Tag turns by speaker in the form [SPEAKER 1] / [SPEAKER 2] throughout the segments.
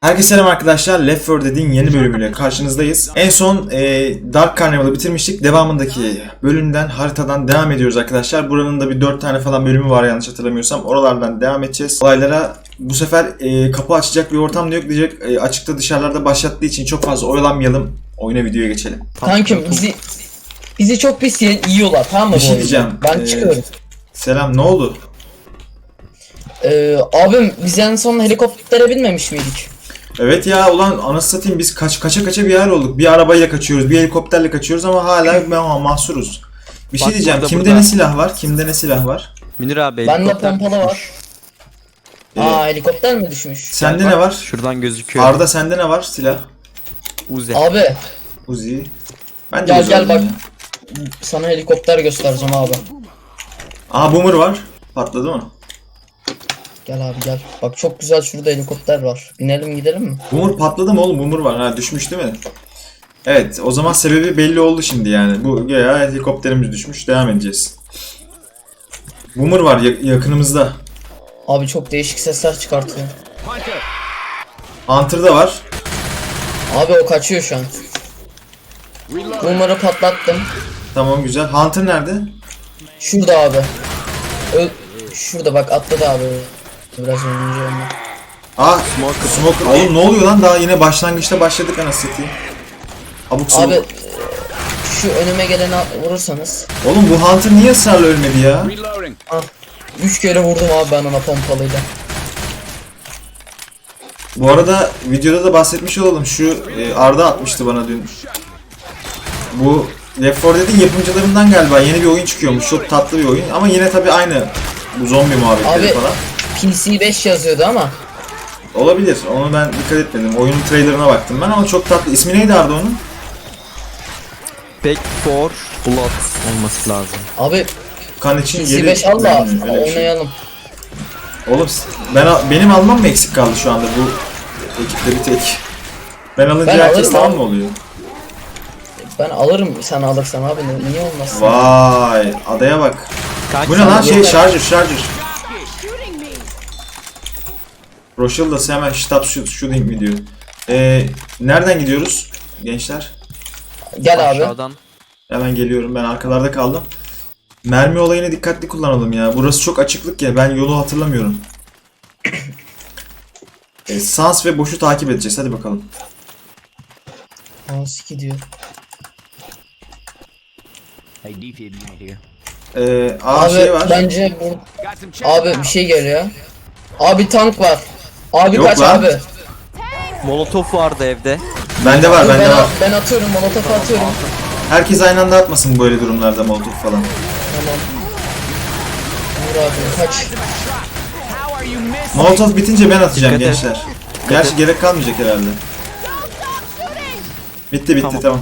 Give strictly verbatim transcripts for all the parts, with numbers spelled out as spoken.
[SPEAKER 1] Herkese selam arkadaşlar. Left four Dead'in yeni bölümüyle karşınızdayız. En son e, Dark Carnival'ı bitirmiştik. Devamındaki bölümden, haritadan devam ediyoruz arkadaşlar. Buranın da bir dört tane falan bölümü var yanlış hatırlamıyorsam. Oralardan devam edeceğiz. Olaylara bu sefer e, kapı açacak bir ortam da yok diyecek. E, açıkta dışarılarda başlattığı için çok fazla oyalanmayalım. Oyuna videoya geçelim.
[SPEAKER 2] Kankim bizi bizi çok pis yiyorlar, tamam mı?
[SPEAKER 1] Bir şey
[SPEAKER 2] bu
[SPEAKER 1] diyeceğim.
[SPEAKER 2] oyunda? Ben
[SPEAKER 1] Ee,
[SPEAKER 2] çıkıyorum.
[SPEAKER 1] Selam, ne oldu?
[SPEAKER 2] Ee, abim biz en son helikoptere binmemiş miydik?
[SPEAKER 1] Evet ya, ulan anasını satayım, biz kaç kaça kaça bir yer olduk. Bir arabayla kaçıyoruz, bir helikopterle kaçıyoruz ama hala ma- mahsuruz. Bir şey
[SPEAKER 3] Bak
[SPEAKER 1] diyeceğim.
[SPEAKER 3] burada,
[SPEAKER 1] Kimde
[SPEAKER 3] burada.
[SPEAKER 1] ne silah var? Kimde ne silah var?
[SPEAKER 3] Münir abi
[SPEAKER 2] Bende
[SPEAKER 3] helikopter
[SPEAKER 2] pompalı var.
[SPEAKER 3] düşmüş.
[SPEAKER 2] Aa, helikopter mi düşmüş?
[SPEAKER 1] Sende
[SPEAKER 3] Bak,
[SPEAKER 1] ne var?
[SPEAKER 3] Şuradan gözüküyor.
[SPEAKER 1] Arda sende ne var silah?
[SPEAKER 3] Uzi.
[SPEAKER 2] Abi
[SPEAKER 1] Uzi. Ben de
[SPEAKER 2] gel
[SPEAKER 1] Uzi
[SPEAKER 2] gel
[SPEAKER 1] aldım
[SPEAKER 2] bak.
[SPEAKER 1] ya.
[SPEAKER 2] Sana helikopter göstereceğim abi.
[SPEAKER 1] Aa, boomer var. Patladı mı?
[SPEAKER 2] Gel abi gel. Bak çok güzel şurada helikopter var. Binelim gidelim mi?
[SPEAKER 1] Boomer patladı mı oğlum? Boomer var. Ha, düşmüş değil mi? Evet, o zaman sebebi belli oldu şimdi yani. Bu ya helikopterimiz düşmüş. Devam edeceğiz. Boomer var ya- yakınımızda.
[SPEAKER 2] Abi çok değişik sesler çıkartıyor.
[SPEAKER 1] Hunter da var.
[SPEAKER 2] Abi o kaçıyor şu an. Boomer'ı patlattım.
[SPEAKER 1] Tamam, güzel. Hunter nerede?
[SPEAKER 2] Şurada abi. Ö Şurada bak, atladı abi. Biraz önce onunla.
[SPEAKER 1] Aa, Smoker. Smoker. Oğlum ne oluyor lan? Daha yine başlangıçta başladık anasını satayım. Abuk sabuk.
[SPEAKER 2] Abi şu önüme geleni vurursanız.
[SPEAKER 1] Oğlum bu Hunter niye ısrarla ölmedi ya?
[SPEAKER 2] Ah, üç kere vurdum abi ben ona pompalıyla.
[SPEAKER 1] Bu arada videoda da bahsetmiş olalım. Şu e, Arda atmıştı bana dün. Bu Left four Dead'in yapımcılarından galiba yeni bir oyun çıkıyormuş. Çok tatlı bir oyun ama yine tabi aynı bu zombi muhabbetleri
[SPEAKER 2] Abi
[SPEAKER 1] falan.
[SPEAKER 2] P C beş yazıyordu ama.
[SPEAKER 1] Olabilir. Onu ben dikkat etmedim. Oyunun trailerına baktım ben ama çok tatlı. İsmi neydi Arda onun?
[SPEAKER 3] Back for Blood olması lazım.
[SPEAKER 2] Abi
[SPEAKER 1] Kan için
[SPEAKER 2] P C
[SPEAKER 1] geri...
[SPEAKER 2] beş al da
[SPEAKER 1] Hmm, öyle bir şey.
[SPEAKER 2] oynayalım.
[SPEAKER 1] Oğlum ben benim almam mı eksik kaldı şu anda bu ekipte bir tek? Ben alınca
[SPEAKER 2] Ben
[SPEAKER 1] herkes
[SPEAKER 2] alırım
[SPEAKER 1] tamam
[SPEAKER 2] abi.
[SPEAKER 1] mı oluyor?
[SPEAKER 2] Ben alırım sen alırsan abi, ne- niye olmasın?
[SPEAKER 1] Vay, adaya bak.
[SPEAKER 3] Kaç
[SPEAKER 1] Bu ne lan,
[SPEAKER 3] saniye?
[SPEAKER 1] şey, şarjır şarjır. Rochelle da hemen stop shoot, shooting mi diyor. Ee, nereden gidiyoruz gençler?
[SPEAKER 2] Gel abi.
[SPEAKER 3] Aşağıdan.
[SPEAKER 1] Hemen geliyorum, ben arkalarda kaldım. Mermi olayını dikkatli kullanalım ya. Burası çok açıklık ya, ben yolu hatırlamıyorum. Ee, Sans ve boşu takip edeceğiz, hadi bakalım.
[SPEAKER 2] Nasıl gidiyor?
[SPEAKER 4] Hey, defib unit here.
[SPEAKER 1] Ee, aa
[SPEAKER 2] Abi
[SPEAKER 1] şey var.
[SPEAKER 2] bence bu
[SPEAKER 4] Got some check
[SPEAKER 2] abi bir şey geliyor. Abi tank var. Abi
[SPEAKER 1] Yok
[SPEAKER 2] kaç
[SPEAKER 1] lan.
[SPEAKER 2] abi?
[SPEAKER 3] Molotof vardı evde.
[SPEAKER 1] Bende var,
[SPEAKER 2] Dur,
[SPEAKER 1] bende
[SPEAKER 2] ben,
[SPEAKER 1] var.
[SPEAKER 2] ben atıyorum, molotof atıyorum.
[SPEAKER 1] Herkes aynı anda atmasın böyle durumlarda molotof falan.
[SPEAKER 2] Tamam. Vur abi kaç.
[SPEAKER 1] Molotof bitince ben atacağım
[SPEAKER 3] Dikkat et.
[SPEAKER 1] gençler. Gerçi gerek kalmayacak herhalde. Bitti bitti, tamam.
[SPEAKER 3] Tamam.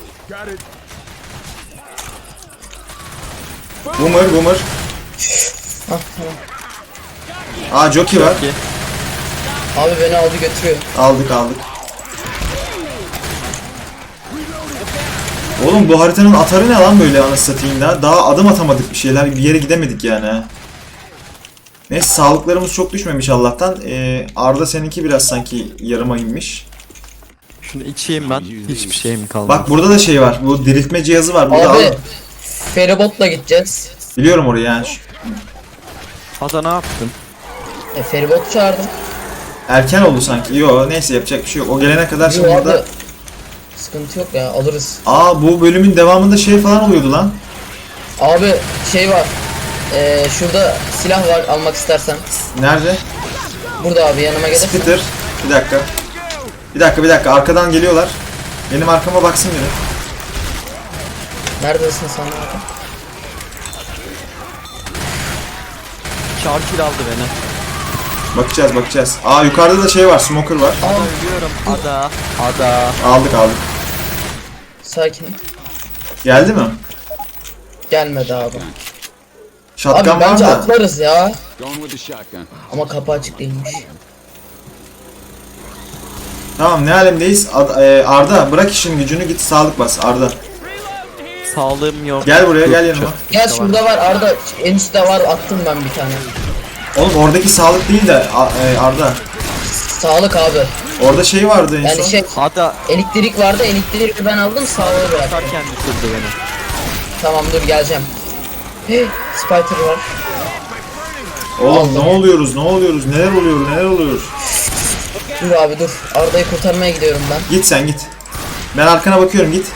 [SPEAKER 1] Boomer boomer.
[SPEAKER 2] Hah tamam.
[SPEAKER 1] Aa, jockey var.
[SPEAKER 3] Ki.
[SPEAKER 2] Abi beni aldı götürüyor.
[SPEAKER 1] Aldık aldık. Oğlum bu haritanın atarı ne lan böyle anasını satayım da. Daha adım atamadık bir şeyler, bir yere gidemedik yani ha. Neyse, sağlıklarımız çok düşmemiş Allah'tan. Ee, Arda seninki biraz sanki yarıma inmiş.
[SPEAKER 3] Şunu içeyim ben. Hiçbir şeyim kalmadı.
[SPEAKER 1] Bak burada da şey var. Bu diriltme cihazı var. Burada
[SPEAKER 2] Abi
[SPEAKER 1] al.
[SPEAKER 2] feribotla gideceğiz.
[SPEAKER 1] Biliyorum orayı yani.
[SPEAKER 3] Ada ne yaptın?
[SPEAKER 2] E feribot çağırdım.
[SPEAKER 1] Erken oldu sanki. Yo, neyse yapacak bir şey yok. O gelene kadar şimdi
[SPEAKER 2] Yo abi.
[SPEAKER 1] burada...
[SPEAKER 2] Sıkıntı yok ya, alırız.
[SPEAKER 1] Aa, bu bölümün devamında şey falan oluyordu lan.
[SPEAKER 2] Abi şey var. Ee, şurada silah var almak istersen.
[SPEAKER 1] Nerede?
[SPEAKER 2] Burada abi, yanıma gelirsen.
[SPEAKER 1] Spitter. Bir dakika. Bir dakika bir dakika. Arkadan geliyorlar. Benim arkama baksın biri.
[SPEAKER 2] Neredesin sen abi?
[SPEAKER 3] Churchill aldı beni.
[SPEAKER 1] Bakacağız bakacağız. Aa, yukarıda da şey var. Smoker var.
[SPEAKER 3] Ada ölüyorum. Ada. Ada.
[SPEAKER 1] Aldık aldık.
[SPEAKER 2] Sakin.
[SPEAKER 1] Geldi mi?
[SPEAKER 2] Gelmedi abi.
[SPEAKER 1] Shotgun
[SPEAKER 2] Abi
[SPEAKER 1] var
[SPEAKER 2] bence
[SPEAKER 1] da.
[SPEAKER 2] atlarız ya.
[SPEAKER 4] Going with the shotgun.
[SPEAKER 2] Ama kapı açık değilmiş.
[SPEAKER 1] Tamam, ne alemdeyiz? Ad- e, Arda bırak işin gücünü, git sağlık bas Arda.
[SPEAKER 3] Sağlığım yok.
[SPEAKER 1] Gel buraya,
[SPEAKER 3] Yok,
[SPEAKER 1] gel yanıma.
[SPEAKER 3] çok-
[SPEAKER 2] Gel
[SPEAKER 3] çok
[SPEAKER 2] şurada var Arda. En üstte var, attım ben bir tane.
[SPEAKER 1] Oğlum oradaki sağlık değil de A- e, Arda.
[SPEAKER 2] Sağlık abi.
[SPEAKER 1] Orada şey vardı en
[SPEAKER 2] Yani
[SPEAKER 1] son.
[SPEAKER 2] şey
[SPEAKER 3] Ada
[SPEAKER 2] elektrik vardı, elektriği ben aldım sağlığı bıraktım.
[SPEAKER 3] atarken düşürdü beni.
[SPEAKER 2] Tamam dur geleceğim. Hey, Spider var.
[SPEAKER 1] Oğlum ne oluyoruz ne oluyoruz neler oluyor neler oluyor.
[SPEAKER 2] Dur abi dur. Arda'yı kurtarmaya gidiyorum ben.
[SPEAKER 1] Git sen git. Ben arkana bakıyorum git.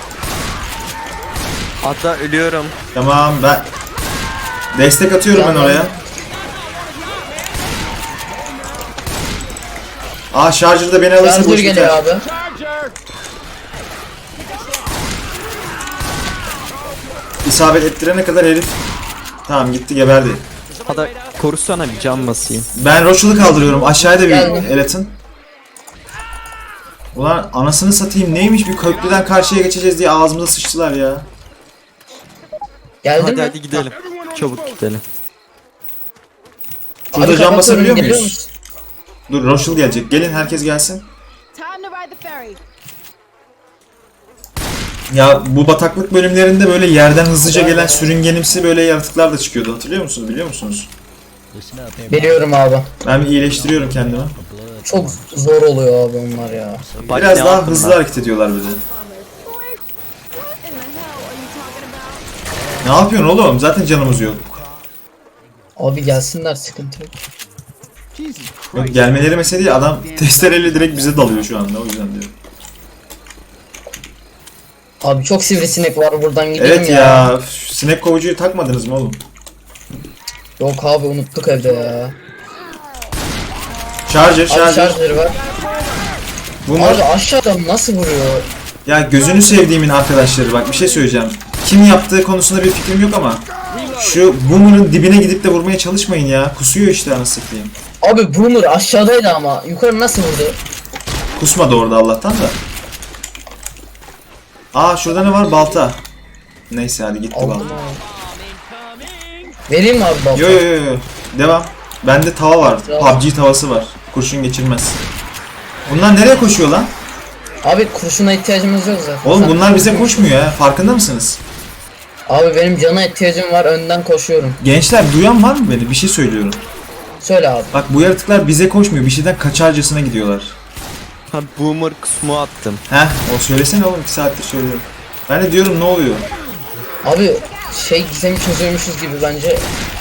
[SPEAKER 3] Ada ölüyorum.
[SPEAKER 1] Tamam ben destek atıyorum ben
[SPEAKER 2] Yandan-
[SPEAKER 1] oraya. Aa Charger da beni alırsa
[SPEAKER 2] Charger
[SPEAKER 1] boş
[SPEAKER 2] geliyor
[SPEAKER 1] biter.
[SPEAKER 2] abi.
[SPEAKER 1] İsabet ettirene kadar herif. Tamam gitti geberdi.
[SPEAKER 3] Ada korusana bir can basayım.
[SPEAKER 1] Ben Rochel'ı kaldırıyorum. Aşağıda bir
[SPEAKER 2] Geldim.
[SPEAKER 1] el atın. Ulan anasını satayım neymiş bir köprüden karşıya geçeceğiz diye ağzımıza sıçtılar ya.
[SPEAKER 2] Geldin
[SPEAKER 3] Hadi
[SPEAKER 2] mi?
[SPEAKER 3] hadi gidelim. Çabuk gidelim.
[SPEAKER 1] Şurada
[SPEAKER 2] Abi
[SPEAKER 1] cam
[SPEAKER 2] kapatıyorum,
[SPEAKER 1] basabiliyor
[SPEAKER 2] geliyor
[SPEAKER 1] muyuz?
[SPEAKER 2] musun?
[SPEAKER 1] Dur Rochelle gelecek. Gelin herkes gelsin.
[SPEAKER 5] Time to ride the ferry.
[SPEAKER 1] Ya bu bataklık bölümlerinde böyle yerden hızlıca gelen sürüngenimsi böyle yaratıklar da çıkıyordu. Hatırlıyor musunuz? Biliyor musunuz?
[SPEAKER 4] Listen up, everybody.
[SPEAKER 2] Biliyorum abi.
[SPEAKER 1] Ben bir iyileştiriyorum kendimi.
[SPEAKER 2] Çok zor oluyor abi onlar ya.
[SPEAKER 3] Bak
[SPEAKER 1] Biraz
[SPEAKER 3] ne
[SPEAKER 1] daha
[SPEAKER 3] yaptım
[SPEAKER 1] hızlı
[SPEAKER 3] ben.
[SPEAKER 1] hareket ediyorlar bir de.
[SPEAKER 5] Boy, what in the hell are you talking about?
[SPEAKER 1] Ne yapıyorsun oğlum? Zaten canımız yok.
[SPEAKER 2] Abi gelsinler sıkıntı yok.
[SPEAKER 4] Jesus
[SPEAKER 1] Yok
[SPEAKER 4] Christ.
[SPEAKER 1] gelmeleri mesele değil. Adam testereyle direkt bize dalıyor şu anda. O yüzden diyorum.
[SPEAKER 2] Abi çok sivrisinek var buradan gidelim
[SPEAKER 1] Evet
[SPEAKER 2] ya.
[SPEAKER 1] ya. üf, Sinek kovucuyu takmadınız mı oğlum?
[SPEAKER 2] Yok abi unuttuk evde ya.
[SPEAKER 1] Charger,
[SPEAKER 2] Abi
[SPEAKER 1] charger.
[SPEAKER 2] charger var.
[SPEAKER 1] Bunlar...
[SPEAKER 2] Abi aşağıdan nasıl vuruyor?
[SPEAKER 1] Ya gözünü sevdiğimin arkadaşları bak bir şey söyleyeceğim. Kim yaptığı konusunda bir fikrim yok ama şu Boomer'ın dibine gidip de vurmaya çalışmayın ya. Kusuyor işte anasını satayım.
[SPEAKER 2] Abi Boomer aşağıdaydı ama yukarı nasıl vurdu?
[SPEAKER 1] Kusmadı orada Allah'tan da. Aa şurada ne var? Balta. Neyse hadi gitti
[SPEAKER 2] Aldım
[SPEAKER 1] balta.
[SPEAKER 2] abi. Vereyim mi abi balta?
[SPEAKER 1] Yo yo yo yo. Devam. Bende tava var. P U B G tavası var. Kurşun geçirmez. Bunlar nereye koşuyor lan?
[SPEAKER 2] Abi kurşuna ihtiyacımız yok zaten.
[SPEAKER 1] Oğlum
[SPEAKER 2] Sen-
[SPEAKER 1] bunlar bize koşmuyor ya. Farkında mısınız?
[SPEAKER 2] Abi benim cana ihtiyacım var önden koşuyorum.
[SPEAKER 1] Gençler duyan var mı beni? Bir şey söylüyorum.
[SPEAKER 2] Söyle abi.
[SPEAKER 1] Bak bu yaratıklar bize koşmuyor. Bir şeyden kaçarcasına gidiyorlar.
[SPEAKER 3] Ha boomer kısmı attım.
[SPEAKER 1] Heh, o söylesene oğlum iki saattir söylüyorum. Ben de diyorum ne oluyor?
[SPEAKER 2] Abi şey gizemi çözüyormuşuz gibi bence.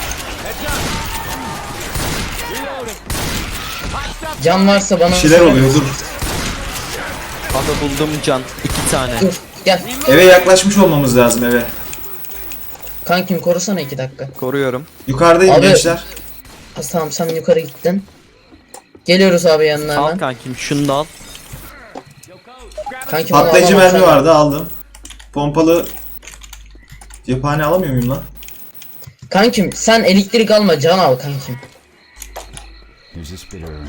[SPEAKER 2] Can varsa bana
[SPEAKER 1] Bir şeyler
[SPEAKER 2] söyle.
[SPEAKER 1] oluyor dur.
[SPEAKER 3] Ada buldum can. iki tane.
[SPEAKER 2] Dur gel.
[SPEAKER 1] Eve yaklaşmış olmamız lazım eve.
[SPEAKER 2] Kankim korusana iki dakika.
[SPEAKER 3] Koruyorum.
[SPEAKER 1] Yukarıdayım
[SPEAKER 2] Abi-
[SPEAKER 1] gençler.
[SPEAKER 2] Ha, tamam sen yukarı gittin. Geliyoruz abi yanına
[SPEAKER 3] Al
[SPEAKER 2] hemen.
[SPEAKER 3] kankim şunu da al.
[SPEAKER 2] Kankim onu
[SPEAKER 1] Patlayıcı
[SPEAKER 2] alamam
[SPEAKER 1] mermi
[SPEAKER 2] sen.
[SPEAKER 1] vardı aldım. Pompalı cephane alamıyor muyum lan?
[SPEAKER 2] Kankim sen elektrik alma can al kankim.
[SPEAKER 4] There's a spitter around.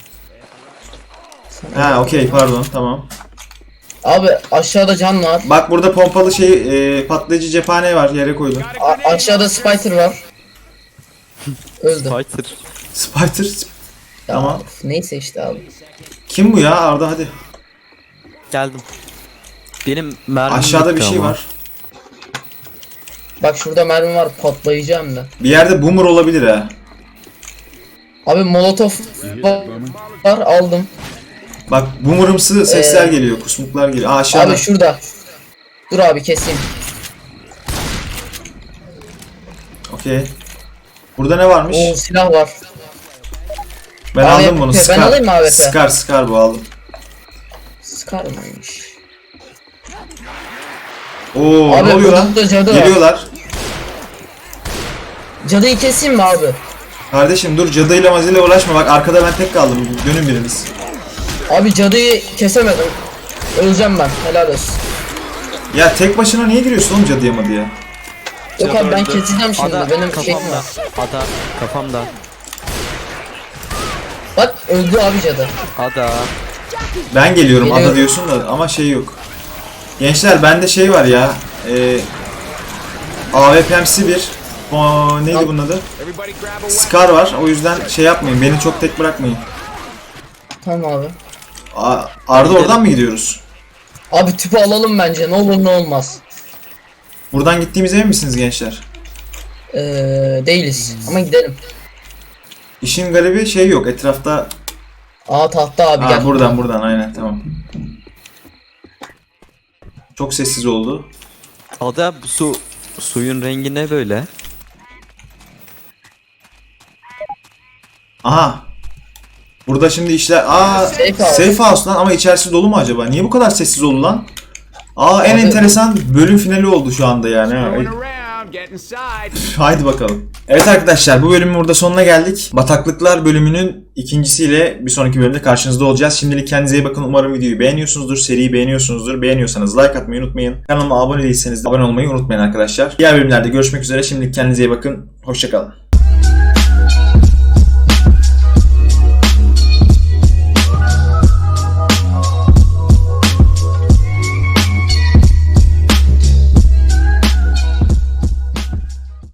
[SPEAKER 1] Ha okey pardon tamam.
[SPEAKER 2] Abi aşağıda can var.
[SPEAKER 1] Bak burada pompalı şey e, patlayıcı cephane var yere koydum.
[SPEAKER 2] A- aşağıda spider var. Öldü.
[SPEAKER 3] Fighter.
[SPEAKER 1] Spider.
[SPEAKER 2] Ya,
[SPEAKER 1] Tamam.
[SPEAKER 2] Neyse işte abi.
[SPEAKER 1] Kim bu ya Arda hadi.
[SPEAKER 3] Geldim. Benim mermim
[SPEAKER 1] Aşağıda bir
[SPEAKER 3] bitti
[SPEAKER 1] şey
[SPEAKER 3] ama.
[SPEAKER 1] var.
[SPEAKER 2] Bak şurada mermi var patlayıcı hem de.
[SPEAKER 1] Bir yerde boomer olabilir ha.
[SPEAKER 2] Abi molotof var, var aldım.
[SPEAKER 1] Bak boomerımsı sesler
[SPEAKER 2] Ee,
[SPEAKER 1] geliyor, kusmuklar geliyor. Aa aşağıda.
[SPEAKER 2] Abi şurada. Dur abi keseyim.
[SPEAKER 1] Okey. Burada ne varmış?
[SPEAKER 2] Oo silah var.
[SPEAKER 1] Ben
[SPEAKER 2] A W P,
[SPEAKER 1] aldım bunu.
[SPEAKER 2] ben
[SPEAKER 1] Scar.
[SPEAKER 2] alayım mı A W P?
[SPEAKER 1] Scar, Scar bu aldım.
[SPEAKER 2] Scar mıymış?
[SPEAKER 1] Oo
[SPEAKER 2] Abi
[SPEAKER 1] ne oluyor lan?
[SPEAKER 2] burada cadı var.
[SPEAKER 1] Geliyorlar.
[SPEAKER 2] Cadıyı keseyim mi abi?
[SPEAKER 1] Kardeşim dur cadıyla mazıyla uğraşma bak arkada ben tek kaldım. Dönün biriniz.
[SPEAKER 2] Abi cadıyı kesemedim. Öleceğim ben. Helal olsun.
[SPEAKER 1] Ya tek başına niye giriyorsun oğlum cadıya madıya?
[SPEAKER 2] Yok abi ben
[SPEAKER 3] Öldü.
[SPEAKER 2] keseceğim şimdi.
[SPEAKER 3] Ada
[SPEAKER 2] Benim şeyim
[SPEAKER 3] kafamda.
[SPEAKER 2] var.
[SPEAKER 3] Ada kafamda.
[SPEAKER 2] Bak öldü abi cadı.
[SPEAKER 3] Ada.
[SPEAKER 1] Ben geliyorum
[SPEAKER 2] Geliyorum.
[SPEAKER 1] ada diyorsun da ama şey yok. Gençler bende şey var ya. E, A W P'msi bir. O, neydi
[SPEAKER 2] Al.
[SPEAKER 1] bunun adı?
[SPEAKER 4] Everybody grab a
[SPEAKER 1] Scar var. O yüzden şey yapmayın. Beni çok tek bırakmayın.
[SPEAKER 2] Tamam abi.
[SPEAKER 1] A- Arda oradan mı gidiyoruz?
[SPEAKER 2] Abi tüpü alalım bence. Ne olur ne olmaz.
[SPEAKER 1] Buradan gittiğimize emin misiniz gençler?
[SPEAKER 2] Ee, değiliz. Ama gidelim.
[SPEAKER 1] İşin garibi şey yok. Etrafta
[SPEAKER 2] Aa tahta abi
[SPEAKER 1] Ha,
[SPEAKER 2] gel.
[SPEAKER 1] buradan buradan aynen tamam. Çok sessiz oldu.
[SPEAKER 3] Ada bu su suyun rengi ne böyle?
[SPEAKER 1] Aha. Burada şimdi işler... Aa,
[SPEAKER 2] Safe house.
[SPEAKER 1] safe house lan ama içerisi dolu mu acaba? Niye bu kadar sessiz oldu lan? Aa en
[SPEAKER 2] Abi-
[SPEAKER 1] enteresan bölüm finali oldu şu anda yani. ha.
[SPEAKER 4] Going around, get inside.
[SPEAKER 1] Haydi bakalım. Evet arkadaşlar bu bölümün burada sonuna geldik. Bataklıklar bölümünün ikincisiyle bir sonraki bölümde karşınızda olacağız. Şimdilik kendinize iyi bakın. Umarım videoyu beğeniyorsunuzdur. Seriyi beğeniyorsunuzdur. Beğeniyorsanız like atmayı unutmayın. Kanalıma abone değilseniz de abone olmayı unutmayın arkadaşlar. Diğer bölümlerde görüşmek üzere. Şimdilik kendinize iyi bakın. Hoşçakalın.